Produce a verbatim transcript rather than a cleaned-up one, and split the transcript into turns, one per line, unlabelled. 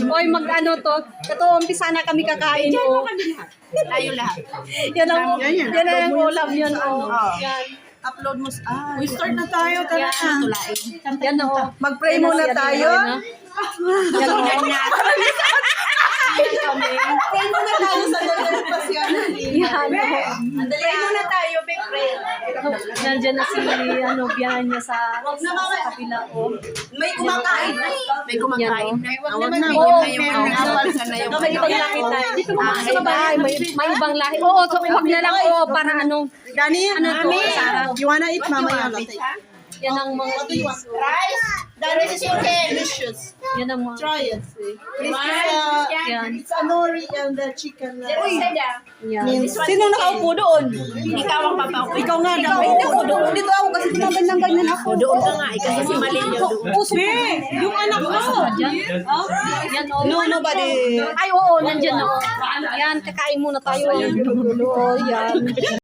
Oy, mag-ano to. Ito, umpisa na kami kakain. Oh.
Tayo lahat.
Yan ang, yan ang ulam yun. Oh. Yan.
Upload mo. Ah,
We start na tayo, tara na.
tulain.
Yan oh.
Mag-pray muna tayo.
Yan oh.
Pray muna tayo sa Lord pasyon.
Yan oh.
Pray muna tayo, big prayer.
Nandiyan na si ano, biyanan niya sa, sa kabila ko.
May kumakain.
May kumakain.
Awag na.
Oo,
Yung awal ka na yung
may ibang lahi tayo. Dito mo sa bahay, may, may ibang lahi. Oo, so wag na lang oo, para ano.
Gani,
Ano to, Sarah?
you wanna eat mamaya latte?
Yan ang mga
Rice? The rice is okay. Delicious.
yan ang mga
Try it. It's, uh,
yan.
it's a nori and the chicken. Uh,
Yan.
Sino nakaupo doon?
Ikaw ang papaupo.
Ikaw nga daw. Ikaw doon. Dito ako kasi tumagal ng ganyan ako.
Doon ka nga. Ikaw kasi mali yun doon.
Usok
Yung anak mo.
yan oh.
No, nobody.
Ay oo, nandiyan oh. Yan, kakain muna tayo. Oh, yan.